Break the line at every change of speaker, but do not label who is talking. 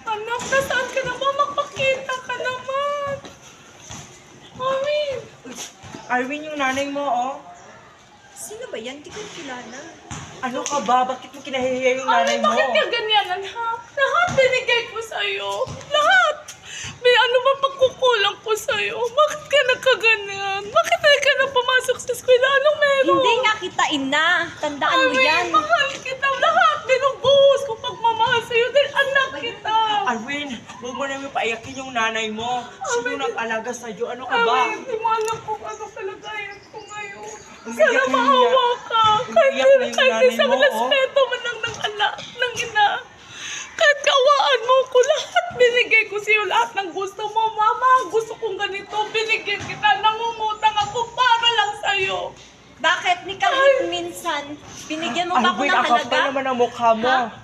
Anak, nasaan ka naman? Magpakita ka naman. Arwin.
Arwin, yung nanay mo, oh.
Sino ba yan? Di ko kilala.
Ano ka ba? Bakit mo kinahihiya yung nanay
Arwin,
mo?
bakit ka ganyan, anak? Lahat binigay ko sa'yo. Lahat. May ano ba pagkukulang ko sa'yo? Bakit ka nagkaganyan? Bakit hindi ka na pumasok sa eskwela? Anong meron?
Hindi nga kita ina. Tandaan mo yan.
Arwin, mahal kita. Lahat binubuhos ko pagmamahal sa'yo dahil anak kita.
Arwin, huwag mo namin paiyakin yung nanay mo. Sino nag-alaga sa'yo? Ano ka ba?
Arwin, di mo alam kung ano kalagayan ko ngayon.
Umiyak
Sana
na yung
maawa ka.
umiyak na yung nanay
isang
mo, oh.
respeto man lang ng anak, ng ina. Kahit kawaan mo ko, lahat binigay ko sa'yo, lahat ng gusto mo. Mama, gusto kong ganito, binigyan kita. Nangungutang ako para lang sa'yo.
Bakit? Ni kahit minsan, binigyan mo ba ako
Arwin,
ng
ang kapal
halaga?
naman ang mukha mo.
Ha?